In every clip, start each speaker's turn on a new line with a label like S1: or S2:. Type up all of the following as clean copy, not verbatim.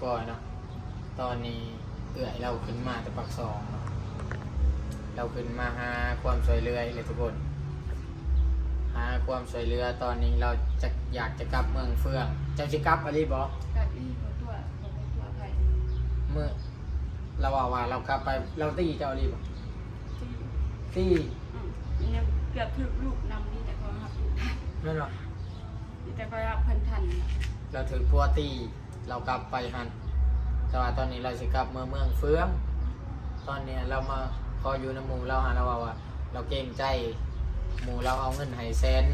S1: ก่อนเนาะตอนนี้เอื่อยเราขึ้นมาแต่ปักซองเนาะเราขึ้นมาหาความช่วยเหลือเลยทุกคนหาความช่วยเหลือตอนนี้เราจะอยากจะกลับเมืองเฟืองเจ้าจะกลับอะไรบ่
S2: กับอีตัวไป
S1: เมื่อเราว่าเรากลับไปเราตีเจ้าอะไรบ่ตี
S2: เนี่ยเกือบถึกลูกนำนี่แต่ก็หักลูกทัน
S1: นั่นหรอ
S2: แต่ก็รับเพิ่นทัน
S1: เราถือพัวตีเรากลับไปหันแต่ว่าตอนนี้เราจะกลับเมืองเฟืองตอนนี้เรามาพออยู่ในหมู่เราหาเราว่าเราเกรงใจหมู่เราเอาเงินให้100,000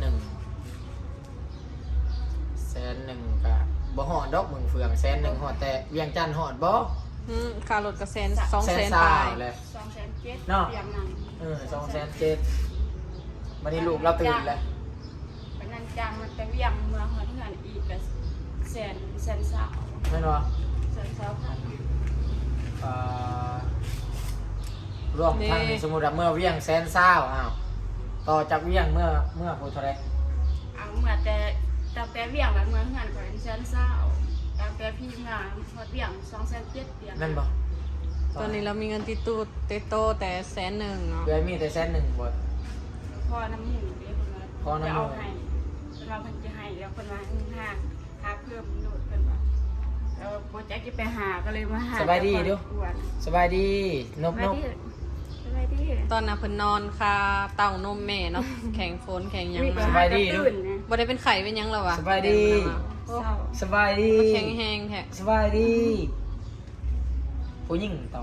S1: กะบ่ฮอดดอกเมืองเฟือง100,000ฮอดแต่เวียงจันทน์ฮอดบ่
S3: ค่ารถก็200,000
S1: 120,000
S3: ปลาย
S1: เลย
S2: 207,000
S1: เนาะ
S2: เตรียมนั่ง
S1: 207,000วันนี้ลูกเราตื่นแล้ว
S2: เป็นนันจังมันไปเวียงเมืองหัวเถื่อนอีกก็แสนสาว
S1: แม่นบ่
S2: แสนสาวพัน
S1: รวมทั้งสมมุติว่าเมื่อเวียง120,000อ้าวต่อจากเวียงเมื่อผู้เท่าใด
S2: เอาเมื่อแต่เวียงแล้วเมืองเถื่อนก็แสนสาวแต่พี่งานพอเวียง207,000เตรียม
S1: นั่นบ่
S3: ตอนนี้เรามีเงินติดตู้เตโตแต่100,000เนาะ
S1: เดือนมีแต่100,000บ่
S2: พอน้ำหมูเด้เพิ่นว่า
S1: พอน้ำหมู
S2: จะเอาให้เพิ่นว่าเพิ่นจะให้แล้วเพิ่นว่าหาเพิ่มโดดเพิ่นว่าแล้วโปรเจกต์ที่ไปหาก็เลยมาหา
S1: สบายดีเด้อ
S2: อ้วน
S1: สบายดีนบ
S2: สบายดีสบายดี
S3: ตอนน่ะเพิ่นนอนคาเต้านมแม่เนาะ แข็งฝนแข็งหยังมา
S1: สบายดี
S2: ตื่
S1: เด้อ
S2: นนะ
S3: บ่ได้เป็นไข้เป็นหยังแล้ววะ
S1: สบายดี
S2: เศร้า
S1: สบายดี
S3: แข็งแฮงแท้
S1: สบายดีผู้หญิงต่อ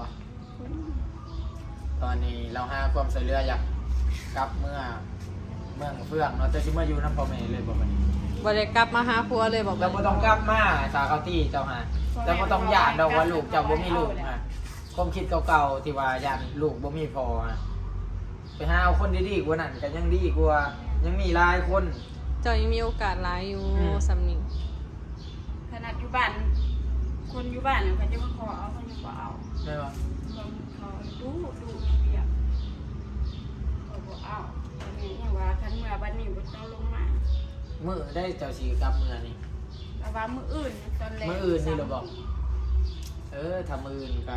S1: ตอนนี้เราหาความช่วยเหลืออยากกลับเมืองเฟืองเนาะแต่สิมาอยู่นำพ่อแม่เลยบ่บัดนี้
S3: บ่ได้กลับมาหาผัวเลยบอก
S1: เราบ่ต้องกลับมาสาเขาตี้เจ้าหาแต่บ่ต้องย่านดอกว่าลูกเจ้าบ่มีลูกฮะความคิดเก่าๆที่ว่าย่านลูกบ่มีพ่อฮะไปหาเอาคนดีๆกว่านั้นก็ยังดีกว่ายังมีหลายคน
S3: เจ้ายังมีโอกาสหลายอยู่
S1: อืม
S3: สำนี้
S2: ขนาดอยู่บ้านคนอยู่บ้านเนี่ยเขาจะมาขอเอาเขายังบ่เอา
S1: แม่นบ่
S2: เขาดูเบียบเขาบ่เอาอันนี้ยังว่าคันเมื่อบัดนี้บ่ต้องลงมา
S1: มื้อได้เจ้าสิกลับเมืองนี่
S2: แต่ว่ามื้ออื่นตอนแรก
S1: มื้ออื่นนี่เหรอบอก ถ้ามื้ออื่นก็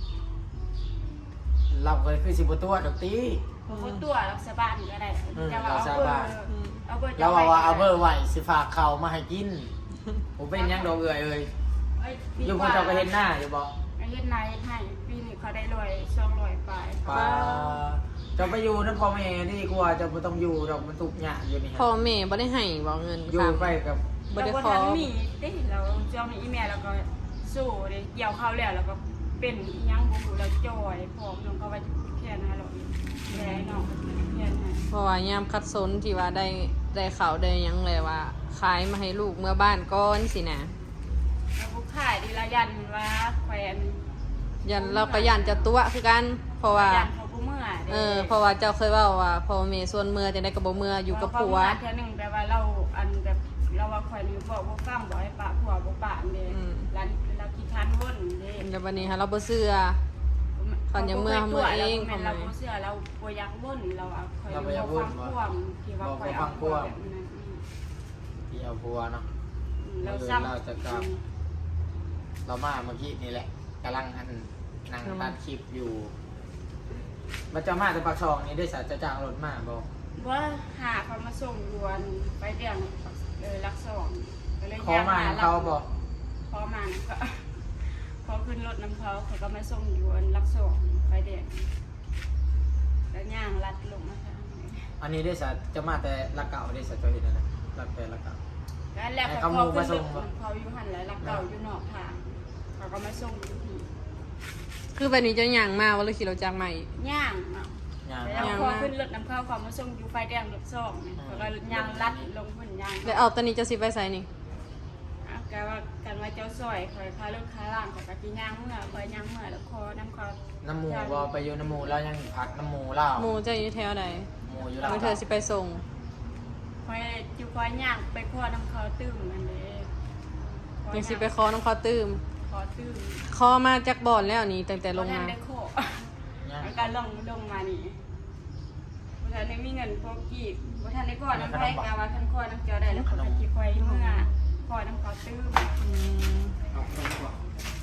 S1: เราก็คือสิบ่ตัวดอกติ
S2: เขาตัวรักษาบ้านก็ได้ จะว่า
S1: รักษาบ้าน
S2: เอาเบอร์
S1: เราว่าเอาเบอร์ไว้สิฝากเขาวมาให้กินผมเป็นหยังดอกเอ้ยอยู่พวกเจ้าก็เห็นหน้าอยู่บ่
S2: เฮ็ดนายให้ปีนี้เขาได้200ปลาย
S1: ป้าเจ้าไปอยู่นำพ่อแม่ดีกว่าเจ้าบ่ต้องอยู่ดอกมันทุกข์ยากอยู่นี่ฮะ
S3: พ่อแม่บ่ได้ให้บ่เงิน
S1: อยู่ไปกับ
S3: บ่ได้
S2: แล้ว
S3: ขอ
S2: ทันมีได้เราเจ้ามีอีเมลแล้วก็สู้ได้เกี่ยวเข้าแล้วก็เป็นยังบ่ฮู้แล้วจอยพร้อมลงเขาไว้แค่นั้นเราแค่น้องแค่นั้น
S3: เพราะว่ายามคัดสนที่ว่าได้ข่าวได้หยังเลยว่าขายมาให้ลูกเมื่อบ้านก่อนสินะ
S2: แล้วผู้ขายดีละยันว่าแขวน
S3: ยันเราก็ยันจะตัวคือกัน เพราะว่า
S2: ยันเขาผู้เมื่อ
S3: เพราะว่าเจ้าเคยเว่าว่าพ่อแม่ส่วนเมื่อจะได้กับบ่เมื่ออยู่กับผัว
S2: เท่านึงแต่ว่าเราอันแบบเราว่าแขวนนี่บอกบ่ฟังบ่ให้ปะผัวบ่ปะเด้ร้านเราขี้คันวนเด้
S3: แต่วันนี้ฮะเราบ่เชื่อ เขายังเมื่อเอง
S2: เราบ่เชื่อเราบ่อยากวนเราเอาคอยบ่ฟังความที่ว่าคอยเอาความแบบนั้น
S1: ที่เอาพัวเนาะ
S2: เราซ้ำ
S1: เราจะกลับ เรามาเมื่อกี้นี่แหละกำลังนั่งตัดคลิปอยู่มันจะมาแต่ปากซองนี่ได้สารจะจ้างรถมาบ่
S2: ว่าหาเขามาส่งยวนไปเดี่ยงรักสองก็เลย
S1: ขอมาให้เขาบ่
S2: ขอมาก็ขอขึ้นรถน้ำเขาเขาก็มาส่งยวนรักสองไปเดี่ยงแล้วย่างลัดลงมาทางนี้
S1: อันนี้ได้สารจะมาแต่ละเก่าได้สารจะเห็นอะไรละแต่ละเก่า
S2: แล้วเขาขึ้นรถเขาอยู่หันแล้วรักเก่าอยู่นอกทางเขาก็มาส่งอยู่ที่
S3: คือแบบนี้จะย่างมาว่าเลยขี่รถจักรใหม่
S2: ย่างเนาะ
S1: อย่าง
S2: แล้วพอขึ้นรถน้ำเขาเขามาส่งอยู่ไฟแดงรถสองเขาก็ย่างลัดลงพื้นย่าง
S3: แล้วเอาตอนนี้จะสิไปใส่นี่
S2: กันว่าเจ้าซอยคอยพาลูกค้าล่างของกะทิย่างเมื่อคอยย่างเมื่อแล้วคอน้ำเขา
S1: น้ำหมูบ่ไปอยู่น้ำหมูแล้วยังพักน้ำหมูเล่า
S3: หมู่จะอยู่แถวใด
S1: หมูอยู่
S3: เมื่อเธอสิไปส่ง
S2: คอยอยู่คอยย่างไปคอน้ำเขาตื้มนั่นเลย
S3: ยังสิไปขอน้องเขาตื้ม
S2: คอตื้ม
S3: ขอมาจากบ่อนแล้วนี่ตั้งแต่ลง
S2: ท่าน
S3: มา
S2: ได้โค
S1: เนี่ย
S2: แล้วก็ลงมานี่ท่านได้มีเงินพวกกี่ท่านได้ก่อนน้ำไผ่กาว่าท่านคอน้ำเจียวได้แล้วเขาไปจีคอยเมื่อคอน้ำเขาตื้ม
S3: อืม
S1: เอาคนก่อน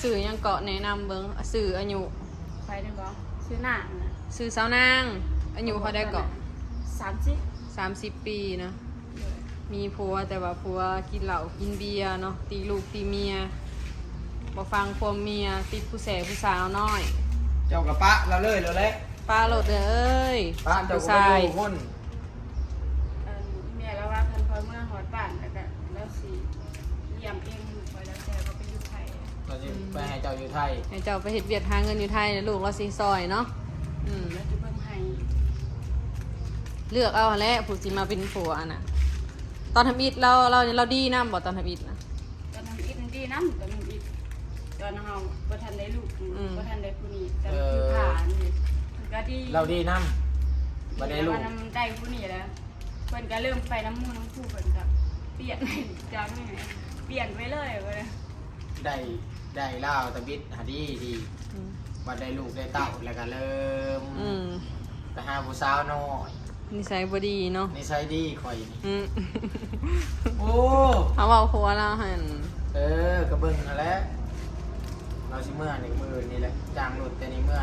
S3: สื่อยังเกาะแนะนำเบิ่งสื่ออายุ
S2: ไปได้บ่ชื่อหน้าน่ะ
S3: สื่อสาวนางอายุเขาได้เกาะ
S2: 30
S3: 30 ปีเนาะมีผัวแต่ว่าผัวกินเหล้ากินเบียร์เนาะตีลูกตีเมียบ่ฟังความเมียติดผู้แสผู้สาวน้อย
S1: เจ้ากับปะเราเลยเราเละ
S3: ป้าโหลดเด้อเอ้ย
S1: ปะเจ้า
S3: ผู้
S1: ก็
S3: ชา
S1: ไป
S3: ย
S1: อยู่คน
S2: แม่แล้วว่าคันพอเมื่อฮอดบ้านแล้วก็แล้วสิเลี้ยงเองลูกไว้แล้วแต่ก็ไปอยู่ไทย
S1: เราจะไปให้เจ้าอยู่ไทย
S3: ให้เจ้าไปเฮ็ดเวียดหาเงินอยู่ไทยนะลูกเราสิซอยเนาะ
S2: แล้วจะเบิ่งให้
S3: เลือกเอาแหละผู้สิมาเป็นผัวน่ะตอนทำอิฐเราดีนำบ่ตอนทำอิฐนะ
S2: ตอนนั้นอีกดีนำตอนนั้นอีกตอนเฮาบ่ทันได้ลูกบ่ทันได้ผู้นี้แต่คือผ่านนี่มันก็ดี
S1: เราดีน้ำบ่ได้ลูก
S2: ว่าน้ำได้ผู้นี้แล้วเพิ่นก็เริ่มไปน้ำมูน้ำคู่เพิ่นก็เปลี่ยนจากนี่เปลี่ยนไปเลยว่า
S1: ได้เล่าวตะบิดหาดีดี
S3: อืม
S1: บัดได้ลูกได้เต้าแล้วก็เริ่ม
S3: อืม
S1: ไปหาผู้สาวน้อย
S3: นิสัยบ่ดีเนาะ
S1: นิสัยดีข่อยนี่
S3: อืม
S1: โอ้
S3: เขาเว้าผัวเราหั่น
S1: กระเบิ่งนั่นแหละเราสิเมื่อนี่มือนี่แหละจางหลุดแต่นี่เมื่อ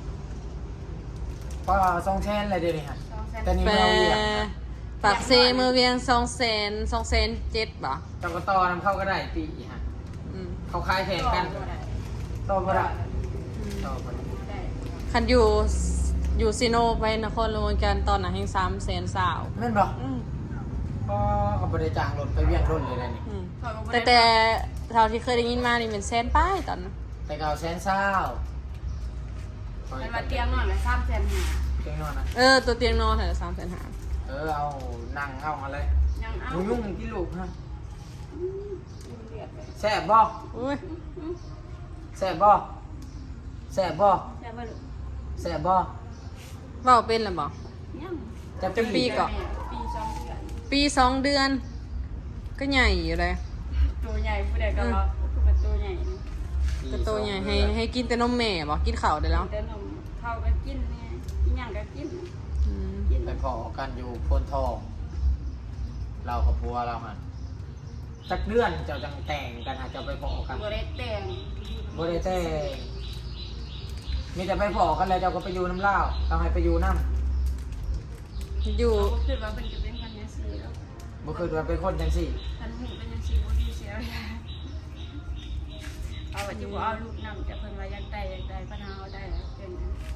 S1: ป้าส่งแทนอะไรเดี๋ยวนี้ฮะแต่นี่
S3: แปร
S1: เราเรียกนะ
S3: ปากเซมือเวียง200,000 7บ่
S1: เจ้ากต่อนำเข้าก็ได้ปีฮะ
S3: อืม
S1: เขาคายแข่งกันต่อบ่ได้ต่อบ่ได้
S2: ได้
S3: คันอยู่ซิโนไปนครหลวงกันตอนน่ะแห่ง300,000สาว
S1: แม่นบ่
S3: อืม
S1: ก็กับบริจางรถไปเวียงรถเลยนะนี่
S3: อืม
S2: เขาก็บ่ได้
S3: แต่เท่าที่เคยได้ยินมานี่เป็นแสนป้ายตอนนั้น
S1: แต่เก่าแสนเศร้า
S2: มันมาเตียงนอนละ3,500
S1: เตียงนอนนะ
S3: ตัวเตียงนอนเท่า300,000
S1: เอานั่งเอาอะไร
S2: ยังเอา
S1: หมูยุ่งที่ลูกฮะ
S2: เลือดไป
S1: แซ่บบ่
S3: อุ้ย
S1: แซ่บบ่แซ่บบ่
S2: แต่ว่าลูก
S1: แซ่บบ่
S3: เว้าเป็นแล้วบ่
S2: ยัง
S1: จะ
S3: จะปีก่อน
S2: ปี2 เดือน
S3: ปี2 เดือน ก็ใหญ่อยู่เลย
S2: ตัวใหญ่ผู้ใดก็ว่าคือเป็นตัวใหญ่นี่
S3: ก็โตใหญ่ให้กินแต่นมแม่บ่กินข้าวได้แล้ว
S2: แต่นมเขาก็กินเนี่ยอีหยังก็กิน
S3: อืม
S2: กิน
S1: ไปพอกันอยู่โพนทอง เรากับพัวเราฮะสักเดือนเจ้าจังแต่งกันฮะเจ้าไปพอกัน
S2: บ่ได้แต่ง
S1: บ่ได้แต่งมีแต่ไปพอกันแล้วเจ้าก็ไปอยู่น้ำเล่าวเราให้ไปอยู่น้ำ
S3: อยู่
S2: เราก็คิดว่าเป็นจะเป็นกันจังซี่แล้ว
S1: บ่เคยว่าเป็นคนจังสี่
S2: คันหูเป็นจังซี่บ่ดีเสียเอาว่าจะบ่เอาลูกนำแต่เพิ่นว่าอยากได้ปัญหาเอาได้แล้วเป็น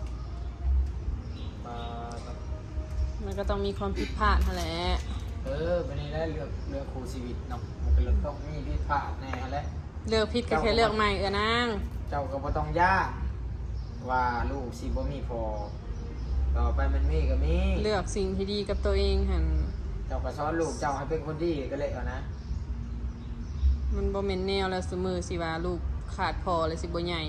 S3: มันก็ต้องมีความผิดพลาดนั่นแหละ
S1: วันนี้ได้เลือกครูชีวิตเนาะมันก็เลือกต้องมีผิดพลาดแน่แหละ
S3: เลือกผิดก็แค่เลือกใหม่นาง
S1: เจ้าก็บ่ต้องยากว่าลูกสิบ่มีพอต่อไปมันมีก็มี
S3: เลือกสิ่งที่ดีกับตัวเองหั่น
S1: เจ้าก็สอนลูกเจ้าให้เป็นคนดีก็เลยเอานะ
S3: มันบ่แม่นแนวแล้วซุมื้อสิว่าลูกขาดพอเลยสิบ่ใหญ่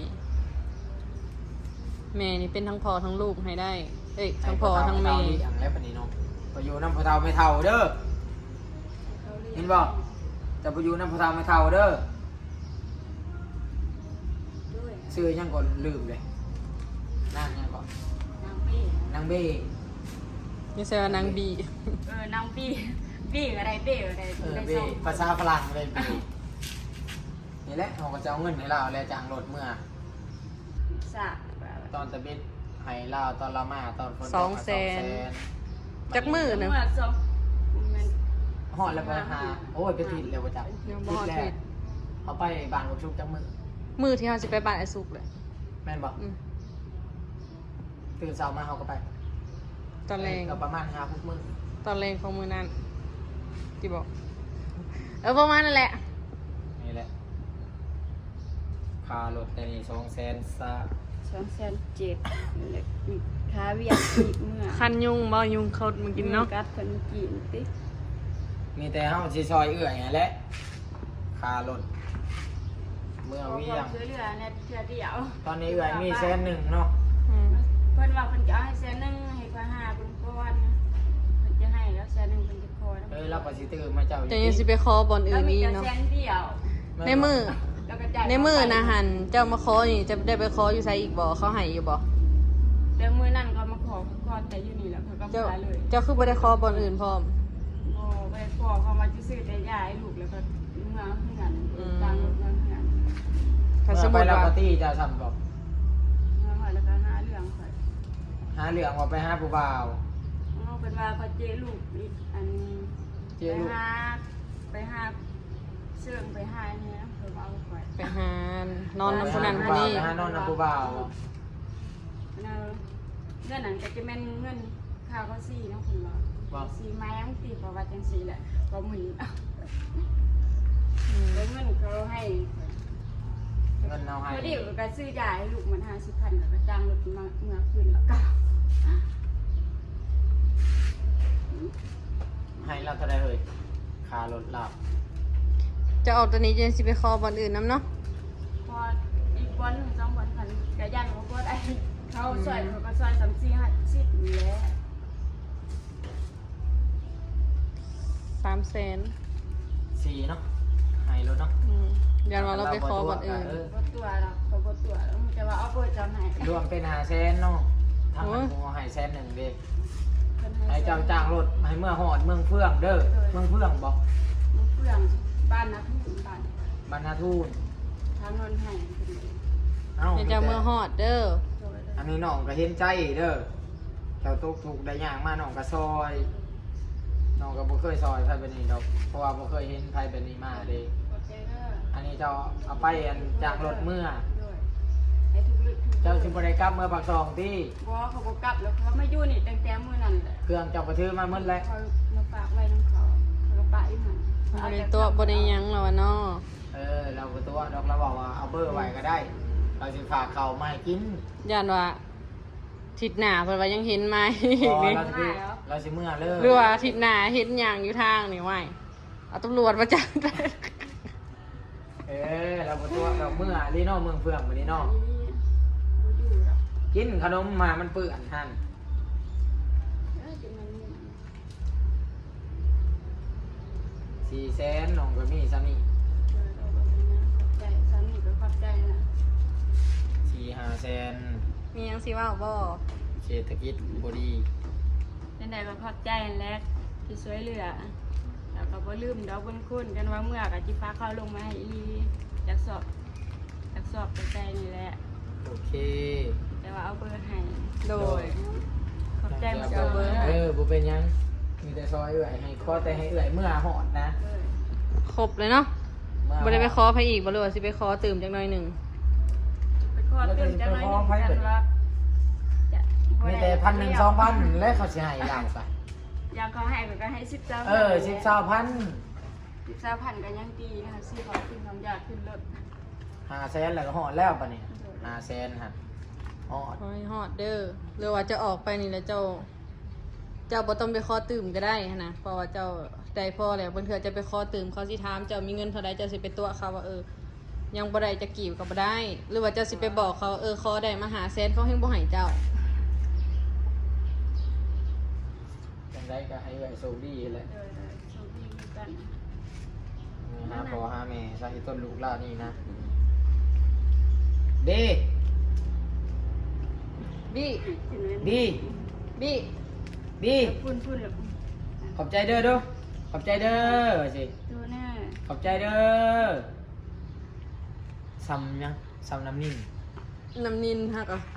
S3: แม่นี่เป็นทั้งพ่อทั้งลูกให้ได้เอ้ยทั้งพ่อทั้งแม่
S1: อย่างแล้วปานนี้เนาะไปอยู่นำพ่อเฒ่าไม่เฒ่าเด้อเห็นบ่จะไปอยู่นำพ่อเฒ่าไม่เฒ่าเด้อ
S2: ด้วย
S1: ชื่อยังก่อนลืมเลยนางยังก่อน
S2: นางปี้
S1: นางเบ้
S3: ไม่ใช่ว่านางบี
S2: นางปี้ปี้อะไรเป้อะไร
S1: เบ้
S2: ได้
S1: ภาษาฝรั่งเลยเบ้นี่แหละเขาก็จะเอาเงินให้เราแล้วจางรถเมื่อ
S2: สะ
S1: ตอนตะบิดให้เราตอนเรามาตอนคน
S3: 200,000 จักมื้อหนึง
S2: เมื่อสองมัน
S1: หอดแล้วไปหาโอ้ยไปผิดเลยว่าจับ
S3: ยังบ่ฮอด
S1: แล้
S3: ผิ
S1: ว
S3: ด
S1: เอาไปบ้านกับชุกจักมือ
S3: มื้อที่เฮาสิไปบ้านไอ้สุกเลย
S1: แม่นบอก
S3: อืม
S1: ตื่นเช้ามาเขาก็ไป
S3: ตอนแรง
S1: ก็ประมาณ5-6 มื้อ
S3: ตอนแรงของมื้อนั้นที่บอกประมาณนั่นแหละ
S1: นี่แหละค่ารถแต่นี่200,000ซะ
S2: 2,700,000ขาเวียนอีกเมื่อ
S3: คันยุงบ่ยุงเขามากินเนาะ
S2: กัดเพิ่นกินติ
S1: มีแต่เฮาสิซอยเอื้อยไงแหละค่ารถเมื่อเวียง
S2: ช่วยเหลือในเทื่อเดียว
S1: ตอนนี้เอื้อยมี100,000เนาะ
S3: อืม
S2: เพิ่นว่าเพิ่นจะเอาให้100,000ให้กว่า5เพิ่นก่อนนะเพิ่นจะให้แล้ว100,000เพิ่นจะขอนะ
S1: เราก็สิตื่นมาเจ้า
S3: จะยังสิไปขอบอนอื่นอีกเนาะ
S2: แสนเดียว
S3: ในมือ
S2: แล้วก็จ่าย
S3: ในมือนะหันเจ้ามาขอนี่จะได้ไปขออยู่ไสอีกบ่เขาให้อยู่บ่
S2: แต่มื้อนั้นเขามาขอแต่อยู่นี่แหละเขาก็
S3: เจ้า
S2: ขายเลย
S3: เจ้าคือบ่ได้ขอบอนอื่นพร้อม
S2: โอ้ไปขอเขามาจะซื้อแต่ยาให้ลูกแล้วก็เมื่อเฮือนตามรถเมื่อเฮือน
S3: ถ้าสม
S1: ไป
S3: มุติ
S1: แล้ว
S3: ว่า
S1: ก็ตี้จะทำบอก
S2: มาหอยแล้วก็หาเรื่องข่อย
S1: หาเรื่องว่าไปหาผู้บ่าว
S2: เอาเป็นว่าเขาเจลูกอีกอัน
S1: เจ๊ลูก
S2: ไปหาเสื่องไปหาเนี่ยเพิ่มเอาข่อย
S3: ไปหานอนนำผู้นั้นผู้นี้
S1: ไปหานอนนำผู้บ่าว
S2: เงินนั้นก็จะแม่นเงินค่าเขาซี่เนาะคุณว่าซี่ไม้มันตีเพราะว่าจังซี่แหละก็หมุนเอา
S3: อืม
S2: แล้วเงินเขาให้
S1: เงินเอาให้
S2: พอดีก็ซื้อยาให้ลูกมัน50,000แล้วก็จ้างรถมาเมื่อคืนแล้วก็
S1: ให้เราเท่าไรเอ่ยค่ารถหลับ
S3: จะออกตัวนี้จะสิไปคอบอลอื่นน้ำเนาะ
S2: พออีกวัน2 วันพันก็ยันว่าบ่ได้เขาซอยเขาก็ซอย3-4-50นี่แหละ
S3: 300,000
S1: สี่เนาะให้รถเนาะ
S3: ยันว่าเราไปคอบอลอื่น
S2: บ่ตัวแล้วเขาบ่ตัวแล้วมันจะว่าเอาเปิดจำให้
S1: รวมเป็น500,000เนาะทางมันคงให้100,000เด้
S2: เพิ่น
S1: ให้เจ้าจ้างรถให้เมื่อหอดเมืองเฟื่องเด้อเมืองเฟื่องบอก
S2: มันเฟื่องบ้านนะพี่บ้าน
S1: บรรณาทูน
S2: ทางนนท์ให้เพิ่น
S1: เอ้า
S3: เดี๋ยวจะเมื่อฮอดเด้อ
S1: อันนี้น้องก็เห็นใจเด้อเจ้าตกถูกได้ยากมาน้องก็ซอยน้องก็บ่เคยซอยไผแบบนี้ดอกเพราะว่าบ่เคยเห็นไผแบบนี้มาเด้
S2: ขอบใจเด้อ
S1: อันนี้เจ้าเอาไปอันจากรถเมื่อ
S2: ด้วยให้ทุกลึกทุก
S1: เจ้าสิบ่ได้กลับเมื่อปากซองที่
S2: บ่เขาบ่กลับแล้วเขามาอยู่นี่ตั้งแต่มื้อนั้นแหละ
S1: เครื่องเจ้าก็ถือมาหมดแล้ว
S2: เขามาฝากไว้นำเขาเขาก็ปะอีหั่น
S3: บริตัวบริยังแล้ววะเนาะ
S1: เราก็ตัวดอกเราบอกว่าเอาเบอร์ไว้ก็ได้ เราสิฝากเขามาให้กิน
S3: ยันว่าทิศหน้าเพิ่นว่ายังเห็นไหม
S1: พอเราสิเมื่อเลย
S3: หรือว่าทิศหน้าเห็นอย่างอยู่ทางนี่ไหวเอาตำรวจมาจับ
S1: เราก็ตัวเราเมื่อลีโน่เมืองเฟื่องวันนี้เนาะ
S2: บ่อยู่แล้ว
S1: กินขนมมามันเปื้อนท่าน
S2: กินมันนี่
S1: 400,000น้องก็มีซ้ำนี่
S2: เอาไปนะขอบใจสามีก็ขอบใจนะ
S1: 4-500,000
S3: มียังสิว่าบ่
S1: เศรษฐกิจบ่ดี
S2: จังได๋ก็ขอบใจนั่นแหละที่ช่วยเหลือแล้วก็บ่ลืมดอกบุญคุณกันว่าเมื่อก็สิฝากเขาลงมาให้อีหลีอยากสอบใจนี่แหละ
S1: โอเค
S2: แต่ว่าเอาเบอร์ให้
S3: โดย
S2: ขอบใจมา
S3: เอาเบอร์ให้
S1: บ่เป็นหยังมีแต่ซอยเอื่อยให้ขอแต่ให้เอื่อยเมื่อหอดนะ
S2: เออ
S3: ครบเลยเนาะ
S1: เมื่อ
S3: บ่ได้ไปขอไผอีกบ่รู้ว่าสิไปขอตื่มจักหน่อยหนึง
S2: ไปขอตื่นจังเลยนี่กันว่าจะ
S1: มีแต่1,000-2,000แล้วเขาสิให้เราไป
S2: อยากเขาให้ก็ให้10เจ้า
S1: 10,000
S2: 10,000ก็ยังดีนะคะซื้อของกินของอยากขึ้นรถ
S1: 500,000แล้วก็หอดแล้วปะเนี่ย500,000ฮะหอด
S3: ขอให้ฮอดเด้อหรือว่าจะออกไปนี่แล้วเจ้าบ่ต้องไปขอตื่มก็ได้หั้นนะเพราะว่าเจ้าได้พอแล้วบางเทื่อจะไปขอตื่มเขาสิถามเจ้ามีเงินเท่าใดเจ้าสิไปตัวเขาว่ายังบ่ได้จะกี่ก็บ่ได้ หรือว่าเจ้าสิไปบอกเขาขอได้มาหาแสนเขาเฮงบ่ให้เจ้า
S1: จังได้ก็ให้เอื่อยโชคดีแหละ
S2: เออโชคดีเหมือนกัน
S1: หาพ่อหาแม่ใส่ต้นลูกล่านี่นะดี
S3: บี้
S2: กินเลย
S1: ดี
S3: บี้
S1: ดี
S2: พูนแบบ
S1: ขอบใจเด้อเด้อขอบใจเด้อสิ
S2: ตัวแน่
S1: ขอบใจเด้อซ้ำยังซ้ำน้ำนิ่ง
S3: น้ำนินฮักอ่ะ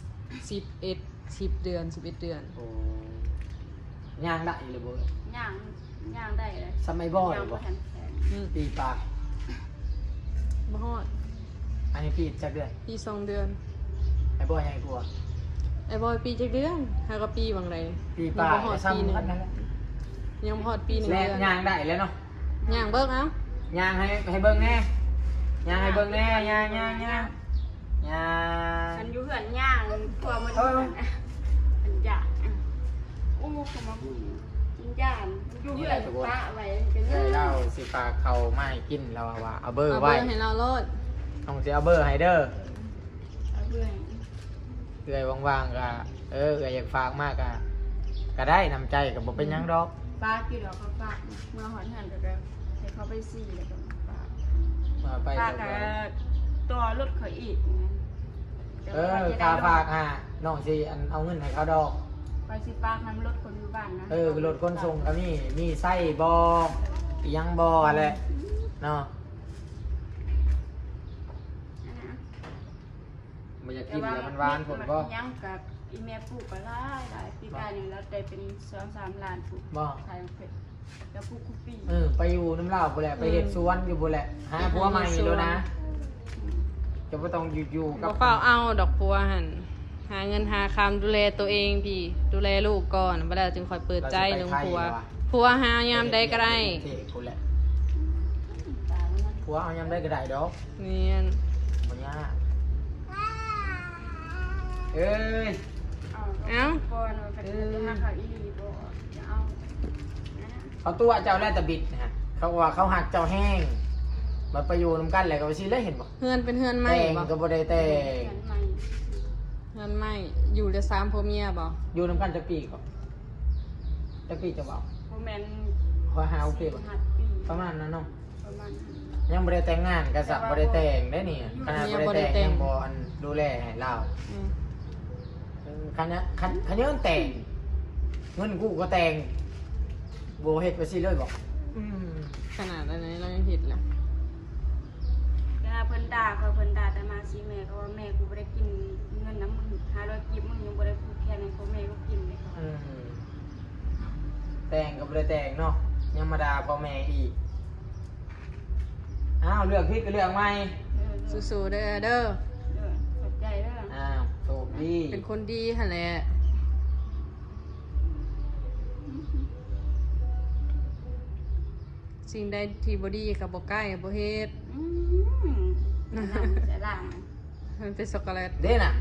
S3: 10เดือน11 เดือน
S1: โอ้ย่างได้เลยบ่
S2: ย่างได้เลย
S1: สมัยบ่อย
S2: ย่าง
S1: บ่
S2: บ่ทันแข็ง
S1: ปีปาก
S3: บ่ฮอด
S1: อันนี้ปีจักเดือน
S3: ปี2 เดือน
S1: ไอ้บ่อยใหญ่กลัว
S3: ไอ้บอยปีจักเดือนฮักก็ปีบางไร
S1: ปีปาก
S3: ยังบ่ฮอดปีหนึง
S1: ซ้ำกันนั่นแหละ
S3: ยังบ่ฮอดปี1
S1: แล้
S3: เดือน
S1: ย่างได้แล้วเนาะ
S3: ย่างเบิกเอ้า
S1: ย่างให้เบิ่งแน่ย่างให้เบิ่งแน่ย่าง
S2: มันอยู่เหือนย่างกลัวมันมันย่างอู้เขามากินย่างอยู่เหือนปะไว้กัน
S1: เค
S2: เย
S1: ย
S2: อะ
S1: เล่าสิฝากเขาไม่กินเราว่าเอาเบอร์
S3: เอาเบ
S1: ไว้
S3: อร์ให้เราโลด
S1: ต้องสิเอาเบอร์ให้เด้อ
S2: เอาเบื่อ
S1: เอื้อยว่างๆก็เอื้อยอยากฝากมากก็ได้นำใจก็บ่เป็นหยังดอก
S2: ป้ากินแล้วเขาฝากเมื่อหอนหันก็ให้เขาไปซี่แล้วก็ฝาก
S1: มาไป
S2: ฝาก
S1: ก็
S2: กับตัวรถเขาอีก
S1: ค่าฝากน้องสิอันเอาเงินให้เขาดอก
S2: ไปสิฝากน้ำรถคนอยู่บ้านนะ
S1: รถขนส่งก็มีไส้บออีหยังบออะไรเนาะ
S2: เ
S1: มันจะกินแล้วมันหวานผลบ่
S2: ยังกับอีเมลปลูกไปหลายปีกายนึงแล้วได้เป็น2-3 ล้านปลูก
S1: บ่
S2: ขายเผ็ดแล้วปลูกคุปปี้
S1: ไปอยู่น้ำลาวบ่แหละไปเฮ็ดสวนอยู่บ่แหละหาผัวใหม่แล้วนะจะบ่ต้องอยู่กั
S3: บ่
S1: บ
S3: เฝ้าเอาดอกพัวหั่นหาเงินหาคำดูแลตัวเองพี่ดูแลลูกก่อนบ่ได้จึงค่อยเปิดใจเรื่องผัวผัวหายามใดก็ได้
S1: เท่กูแหละ
S2: ตายแล้ว
S1: ผัวเอายามได้ก็ได้ดอก
S3: เนียน
S1: บ่ยากเอ้ย
S2: ก่อนว่าจะมาขายอีหลีบ่จะเอา
S1: เขาตัวเจ้าแลตะบิดนะฮะเขาว่าเขาหักเจ้าแห้งมาไปอยู่นำกันแหละก็ไปสิเลยเห็นบ่
S3: เฮือนเป็นเฮือนใหม่
S1: แต่ง
S3: บ่
S1: ก็บ่ได้แต่ง
S3: เฮือนใหม่อยู่แต่3ผัวเมียบ่
S1: อยู่นำกันจะปีก็จะปีจะเว้า
S2: บ่แม่น
S1: ขอหาโอเคบ่
S2: 5 ปี
S1: ประมาณนั้นเนาะ
S2: ประมาณนั้น
S1: ยังบ่ได้แต่งงานก็สักบ่ได้แต่งได้นี่ขนาดบ่ได้แต่งยังบ่อันดูแลให้เรา
S3: อืม
S1: คันนี้มันแต่งเงินกูก็แต่งโบเฮ็ดไปสิเลยบอก
S3: ขนาดนั้นเรายังผิดแหละ
S2: เวลาเพิ่นด่าแต่มาสิแม่ก็ว่าแม่กูบ่ได้กินเงินน้ำมึง500กิบมึงยังบ่ได้พูดแค่นั้นเขาแม่ก็กินเลยค่ะ
S1: แต่งก็บ่ได้แต่งเนาะยังมาด่าพ่อแม่อีกอ้าวเลือกผิดก็เลือกใหม่
S3: สู้ๆเด้อเด้อ
S2: ขอบใจเด้อ
S1: อ้าวโชคดี
S3: เป็นคนดีหั่นแหละสิ่งใดที่บ่ดีก็บ่ใกล้บ่เฮ็ด
S2: จะล่าง
S3: มันเป็นช็อกโกแลต
S1: เด้น่ะ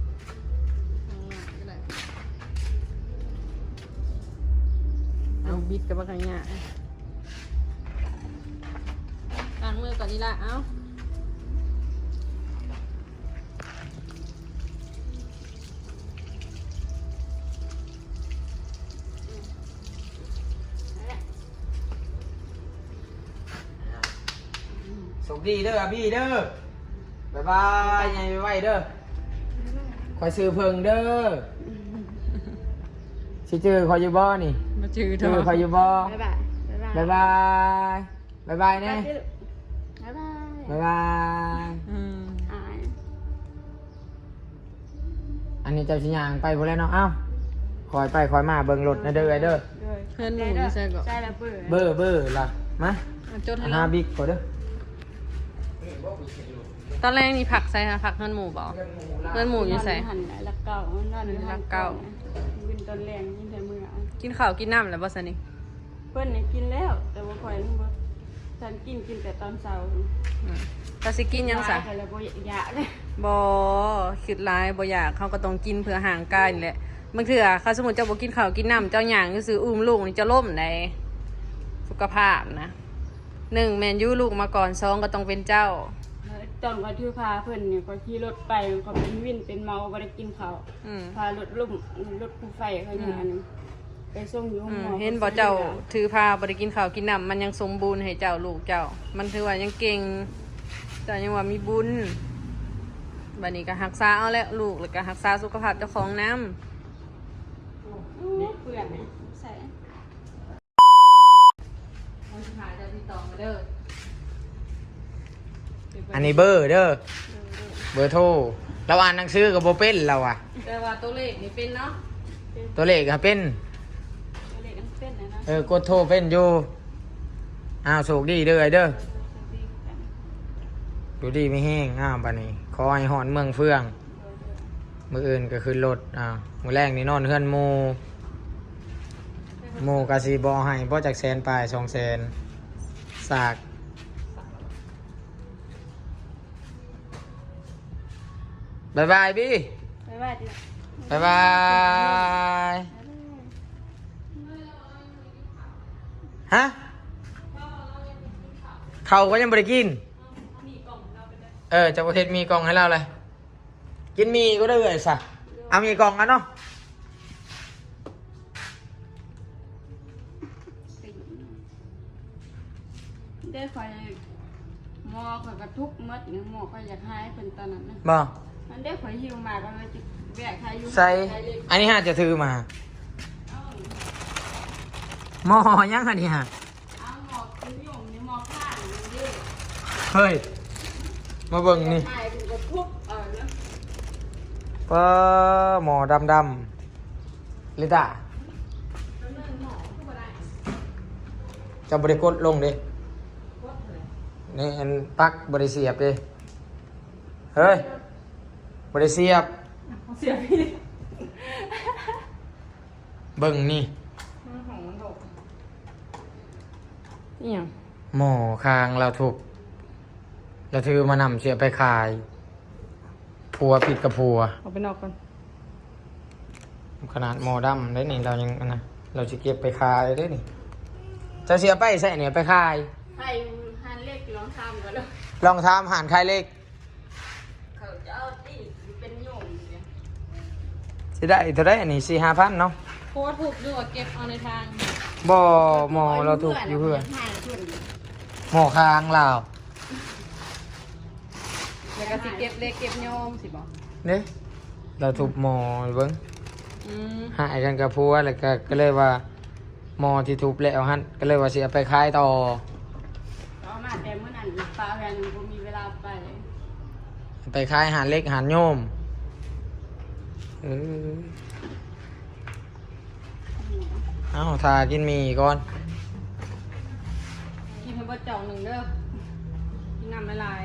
S3: เอาบิดกับบักอย่างเงี้ยล้างมือก่อนนี่ละเอ้า
S1: โชคดีเด้อพี่เด้อบ๊ายบายไงไว้เด้อคอยซื้อเพิ่งเด้อสิเจอคอยอยู่บ่นี่
S3: มาจือเถ
S1: เจอ
S3: อะ
S1: คอยอยู่บ่
S2: บ๊ายบาย
S1: บ๊ายบายบ๊ายบายแน่
S2: บ๊ายบาย
S1: บ๊ายบาย
S3: อืม
S2: หาย
S1: อันนี้เจ้าชิญางไปพอแล้วเนาะ เอ้าคอยไปคอยมาเบิ่งรถนะเด้อไอเด้อ
S3: เพื่อนหนูนี่ใช่ก่อน
S2: ใช่แล้วเบื่อ
S1: เบอร์ล่ะ มา
S3: จดให้
S1: หา
S3: เรา
S1: บิ๊กขอเด้อ
S3: ตอนแรกนี่ผักใส่ค่ะผักเพื่อนหมูบ่เพื่อนหมูอยู่ใส่
S2: หันละเก่านอนละเก่าวินตอนแรงยิ่งแต่มือ
S3: กินข้าวกินน้ำแล้วบ่ซะนี่
S2: เพิ่นเนี่ยกินแล้ว แต่ว่าคอยนึกว่าฉันกินแต่ตอนเช้า
S3: ตาสิกินยังซะ
S2: แล้วบ่อยากเลย
S3: บ่คิดร้ายบ่อยากเขาก็ต้องกินเพื่อห่างกายนี่แหละบางเทื่อเขาสมมุติเจ้าบ่กินข้าวกินน้ำเจ้าหยังซื่ออุ้มลูกนี่จะล่มได้สุขภาพนะ1แม่นอยู่ลูกมาก่อน2ก็ต้องเป็นเจ้า
S2: ตอนก็ที่พาเพิ่นเนี่ยก็ขี่รถไปก็เป็นวินเป็นเมาบ่ได้กินข้าว
S3: อืม
S2: พารถลุ่มรถผู้ไฟเขาอย่างนั้นไปส่งอยู่หมอ
S3: เห็นบ่เจ้าถือพาบ่ได้กินข้าวกินน้ำมันยังสมบูรณ์ให้เจ้าลูกเจ้า มันถือว่ายังเก่งเจ้ายังว่ามีบุญบัดนี้ก็รักษาเอาแล้วลูกแล้วก็รักษาสุขภาพเจ้าของนำ
S2: เปื่อนนะใส่
S3: คนสุดท้ายจะติดต่อมาเด้อ
S1: อันนี้เบอร์เด้อ เบอร์โทร เราอ่านหนังสือกับโบเป็นเราอะ
S3: แต่ว่าตัวเลขนี่เป็นเนาะ
S1: ตัวเลขก็เป็น
S2: เล็กๆเป็นนะ
S1: กดโทรเป็นอยู่ อ้าวโชคดีเด้อไอเด้อดูดีไม่แห้ง อ้าวบัดนี้ขอให้หอนเมืองเฟือง มื้ออื่นก็คือรถ มื้อแรกนี่นอนเฮือนหมู่กะสิบ่ให้บ่จักแสนปลาย200,000สากบายบายบี้
S2: บ๊ายบายดิ
S1: บายบายฮะเขาก็ยังบริกินจะประเทศมีกล่องให้เราเลยกินมีก็ได้เลยสะเอามีกล่องกันเนาะ
S2: ได้คอยหมอคอยกระทุกมัดหมอคอยอยากให้เป็นตอนนั้นนะ
S1: บ่
S2: มันได้ข่อยหิวมาก็เลยจะแบกใครอยู่
S1: ใส่อันนี้ฮะจะถือมาหม้อยังอันนี้ฮะ
S2: เอาหมอกคือหยงนี่หมอกข้างนี่ดิ
S1: เฮ้ย มาเบิ่งนี่
S2: ตายถึงก็ทุบเนาะ
S1: ป้าหมอดำลิตาจะบริกดลงดินี่อันปักบริเสียบดิเฮ้ยบริเสียบ
S3: เสียพี่
S1: เบิ่งนี่
S3: ของมันถกนี่ยัง
S1: หมอคางเราถูกเราถือมานำเสียไปขายผัวผิดกับผัว
S3: เอาไปนอกก่อน
S1: ขนาดหมอดำได้นี่เรายังอันนะเราจะเก็บไปขายได้นี่จะเสียไปใส่เนี่ยไปขาย
S2: ให้หันเล็กลองทำกันแล้ว
S1: ลองทำหารขายเล็ก
S2: เขาจะเอาตีเป็นโยมเนี่ย
S1: สิได้เท่าไรอันนี้4-5,000เนาะ
S3: โคตรถูกด้วยเก็บเอาในทาง
S1: บ่หมอเราถูกอยู่เพื่อน
S2: ให้เพื่อน
S1: หมอคางเรา
S3: แล้วก็สิเก็บเล็กเก็บโยมสิบอก
S1: เนี่ยเราถูกหมอเบิ้ง
S3: อืม
S1: หายกันกับผัวแล้วก็เลยว่าหมอที่ถูกแล้วฮั่นก็เลยว่าสิเอาไปขายต่อ
S2: เอามาแต่เมื่อนั้นป้าแฟนผมมีเวลาไป
S1: ไปขายหารเล็กหารโยมเออเอาทากินหมีก่อน
S3: กินให้เบดจ่องหนึ่งเด้อกินน้ำละลาย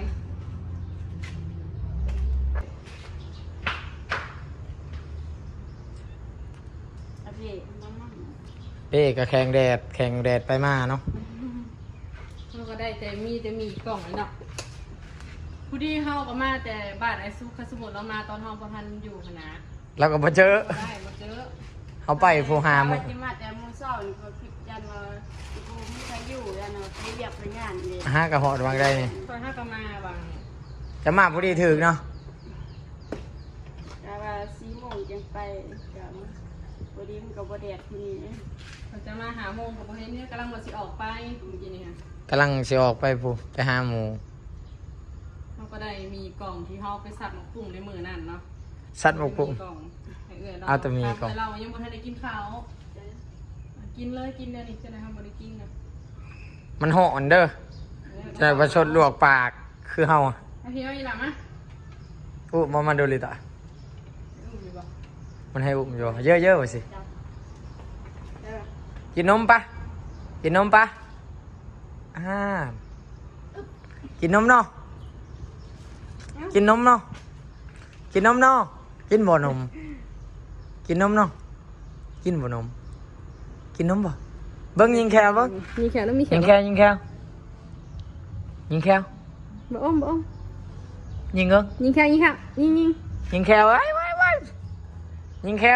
S2: โอเคมามั่ง
S1: เป้ก็แข่งแดดไปมาเนาะ
S3: เราก็ได้แต่มีกล่องเลยเนาะผู้ที่เข้าก็มาแต่บ้านไอ้ซุกสมุนเรามาตอนห้องประพันอยู่คณะ
S1: แล้วก็มาเจอ
S3: ได้มาเจอ
S1: เขาไปผู้หา
S2: มุ
S1: มุ
S2: จิมาแต่มือเศร้านี่ก็คิดยันว่ากูไม่ใช่อยู่ยันว่าไปเรียกไปงานเลย
S1: ห้ากระหอดวางได้นี่
S3: ตอนห้าก็มาบาง
S1: จะมาพอดีถึงเนาะ
S2: แต่ว่า4 โมงจังไปกับพอดีมันก็บ่แดดทีนี้
S3: เขาจะมาหาโมงกับประเทศนี้กำลังมาสิออกไปเมื่อกี้นี่ค่ะ
S1: กำลังสิออกไปผู้ไปหาหมู
S3: เขาก็ได้มีกล่องที่เขาไปสับหมกปุ่งในมือนั่นเนาะ
S1: สัตว์หมกกุ้ง
S3: กล่องให้เอื้อยเรา
S1: เอาแต่มีกล่อง
S3: เรายังบ่ทันได้กินข้าวกินเลยกินเดี๋ยวนี้จะได้ทำบ่ได้กินนะ
S1: มันห่อนเด้อจะประชดลวกปากคือเฮาอะ
S3: เอาพี่เอาอีหล่ะมะ
S1: อุ้มมาดูลิตา
S3: อุ้มอยู่บ่
S1: มันให้อุ้มอยู่เยอะๆไปสิ
S2: จ้ะเออ
S1: กินนมปะกินนมปะอ่ากินนมเนาะกินนมเนาะกินนมเนาะกินบ่นมกินนมเนาะกินบ่นมกินนมบ่เบิ้งยิงแควเบิ้ง
S3: มีแขนแล้วมีแข
S1: ยิ
S3: น
S1: งแควยิงแควยิงแคว
S3: บ่อ้อมบ่อ้อม
S1: ยิงเอิง
S3: ยิงแขนยิงแขนยิง
S1: ยิงแควไว้ยิงแคว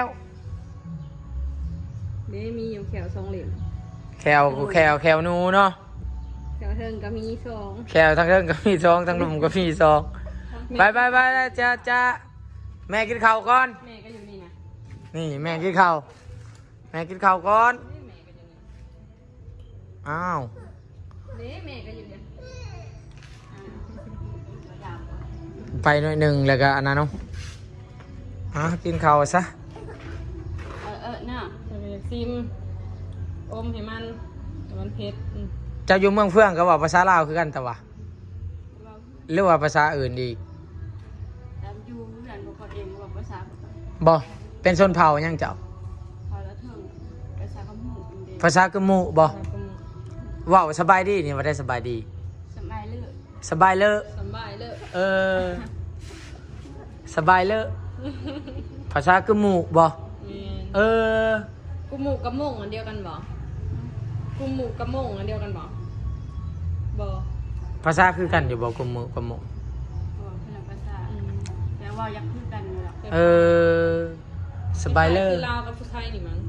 S3: เด้มีอยู่แขว2เหลี่ยม
S1: แควนูเนาะ
S3: แขวเทิงก็มี2
S1: แควทั้งเรื่องก็มีซองทั้งลุมก็มีซองไปจ้าแม่กินข้าวก่อน
S3: แม่ก็อยู่นี่นะ
S1: นี่แม่กินข้าวแม่กินข้าวก่อน
S3: แม่ก็อยู่นี่
S1: อ้าว
S3: เด้แม่ก็อยู่นี่
S1: ไปหน่อยหนึ่งแล้วก็อันนั้นเนาะกินข้าวซะ
S2: น่ะ
S3: จะไปซิมอมให้มันให้มันเผ็ด
S1: เจ้าอยู่เมืองเฟื่องก็ว่าภาษาลาวคือกันแต่ว่า
S2: เรา
S1: หรือว่าภาษาอื่นดี
S2: ตามอยู่เพื่อนบอกเขาเองว่าภาษา
S1: บ่เป็นชนเผ่ายังเจ้า
S2: พอแล้วเถิงภาษาคำหูเป็นเด็ก
S1: ภาษากะหมูบ่เว้าสบายดีนี่ว่าได้สบายดี
S2: สมัยเลือก
S1: สบายเลอะ
S3: สบายเลย
S1: เออสบายเลอะภาษากะหมูบ่เออ
S3: กุมหมูกับม่งอันเดียวกันบ่กุมหมูกับม่งอันเดียวกันบ่บ่
S1: ภาษาคือกันอยู่บ่กะหมูกะหมู
S2: บอกเพื่อนภาษาแต่ว่าอยากพูดกันเลยล่ะ
S1: เออสบายเลอะ
S3: คือลาวกับผู้ไทยนี่มั้ง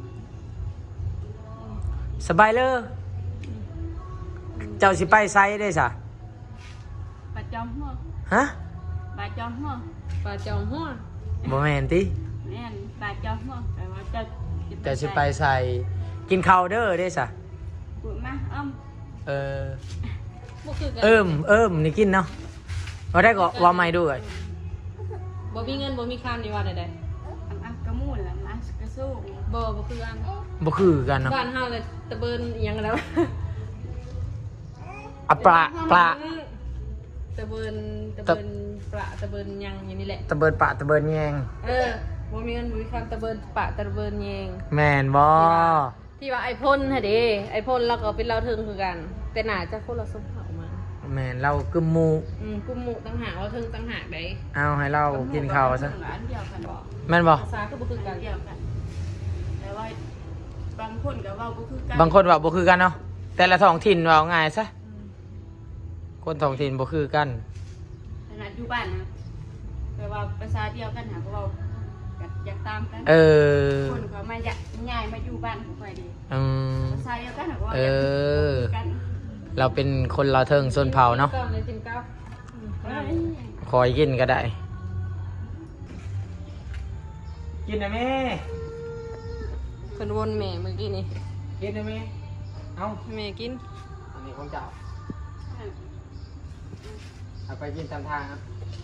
S1: สบายเลอะเจ้าสิไปไซได้ซะ
S2: ปลาจอมหัว
S1: ฮะ
S2: ปลาจอมหัว
S3: ปลาจอมหัว
S1: บ่แม่นติ
S2: แม่นปลาจอมหัวแต่ว่าจะ
S1: เจ้าสิไปใส่กินข้าวเด้อได้ซะ
S2: พูดมาอ้อม
S1: เออ
S3: บ่คือกัน
S1: เอิ่มนี่กินเนาะว่าได้ก็ว่าไม่ด้วย
S3: บ่มีเงินบ่มีคำนี่ว่าใด
S2: อันกระมูลละมัสกระสู้
S3: ๆบ่คือกัน
S1: บ่คือกันเนาะ
S3: บ้านเฮาเลยตะเบินอิหยังกันแล้ว
S1: อะปลา
S3: ตะเบินประตะเบินยังอย่างนี้แหละ
S1: ตะเบินปะตะเบินแยง
S3: บ่มีเงินบ่มีคำตะเบินปะตะเบินแยง
S1: แม่นบ่
S3: ที่ว่าไอพ่นฮะเด้ไอพ่นแล้วก็เป็นเราเทิงคือกัน แต่หนาจะคนละสมเผามา
S1: แม่นเรากึมหมู
S3: กุมหมูต่างหากเราเทิงต่างหากได้
S1: เอาให้เรากินข้าวซะ
S2: อันเดียวกันบ่
S1: แม่นบ่
S3: ภาษาก็บ่คือกั
S2: อั
S3: น
S2: นเดียวกันแต่ว่าบางคนก็เว้าบ่คือกัน
S1: บางคนว่าบ่คือกันเนาะแต่ละท้องถิ่นว่าง่ายซะคนท้องถิ่นบ่คือกัน
S2: ขนาดอยู่บ้านนะแต่ว่าภาษาเดียวกันหาก็เว้าอยากตามกัน
S1: เออ
S2: คนเขามาย้ายมาอยู่บ้านของข่อยดี
S1: อืม
S2: ภาษาเดียวกันหาก็เว้า
S1: เอ
S2: อยาก
S1: อ
S2: กัน
S1: เราเป็นคนลาวเทิงชนเผ่าเนาะ
S3: ก้าวในจิ้มก้าว
S2: เอ้ย
S1: คอยกินก็ได้ กินนะแม่
S3: คนวนแม่เมื่อกี้นี่
S1: กินนะแม่เอา
S3: ให้แม่กิน
S1: อันนี้ของเจ้าเอาไปกินตามทางครับ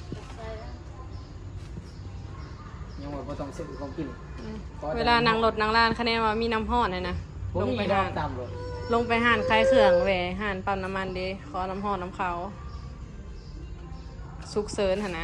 S1: ยังว่าบ่ต้องซื้อของกิน
S3: เวลานั่งรถนั่งร้านคะแนนว่ามีน้ำห้อนนะ
S1: ผม
S3: ลง
S1: มี
S3: ไป
S1: ดอ
S3: หาก น
S1: ตามรถ
S3: ลงไปห่านคลายเครื่องแหวห่านปั๊มน้ำมันเด้ขอน้ำห้อนน้ำเขาสุกเสริญหนนะ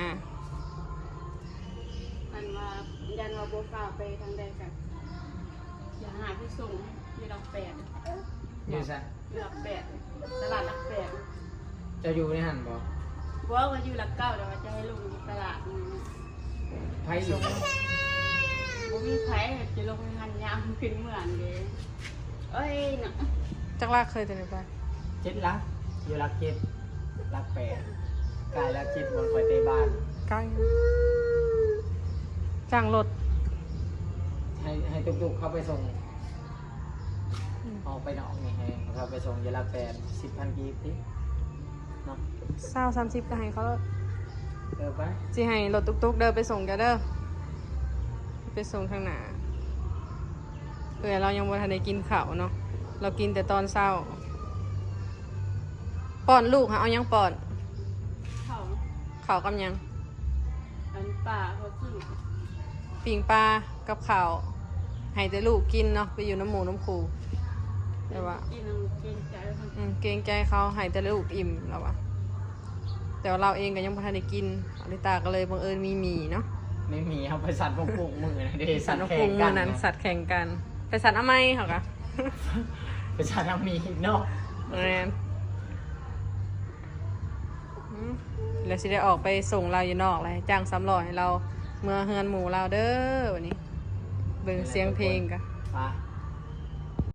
S2: มันว่ายันว่าบ่ฟ้าวไปทางใดกันอย่าหาที่ส่งอยู่หลักแปด
S1: อยู่ซะ
S2: อยู่หลักแปดตลาดหลักแปด
S1: จะอยู่ในหันบ่
S2: บอกว่าอยู่หลักเก้าแต่ว่าจะให้ลงอยู่ตลาดนี่
S1: ไผอยู่
S2: บ่มีไผจะลงหันยามขึ้นเหมือนเด้เอ้ยน่ะ
S3: จักรลากเคยตัวไหนไป
S1: เจ็ดลักอยู่ลักเจ็ดลักแปดกายลักเจ็ดบนคอยเตบ้าน
S3: ใกล้จ้างรถ
S1: ให้ตุกๆเข้าไปส่งออกไปนอกนี่ให้เขาไปส่งอยลักแปด10,000 กีบติเนาะ
S3: 20-30ก็ให้เขา
S1: เดินไป
S3: สิให้รถตุกๆเดินไปส่งกันเด้อไปส่งทางหน้าเรายังบ่ทันได้กินข้าวเนาะเรากินแต่ตอนเช้าป้อนลูกค่ะเอายังป้อน
S2: เขา
S3: ข้าวกับยัง
S2: อันป่าเขาซื้อ
S3: ปิ่งปลากับข้าวให้แต่ลูกกินเนาะไปอยู่น้ำหมูน้ำคูแต่ว่า
S2: กินเอาเกรงใจเขา
S3: เกรงใจเขาให้แต่ลูกอิ่มแล้ววะแต่ว่าเราเองก็ยังบ่ทันได้กินอลิตาก็เลยบังเอิญมีหมี่เนาะ
S1: ไม่มีเอาไปสั่นพวกปุกมือนะเด้
S3: สั
S1: สั่
S3: ต
S1: น
S3: ว์นก
S1: แข่
S3: พุ
S1: ง
S3: ง
S1: กั
S3: มือน นั้นสัตว์แข่งกันไปสัตว์อมัยเหรอกะ
S1: ไปสั่นเอามีเนาะ
S3: แมนแล้วสิได้ออกไปส่งเราอยู่นอกเลยจ้าง300ให้เราเมื่อเฮือนหมูเราเด้อวันนี้เบิ่งเสียงเพลงกะ
S1: ไป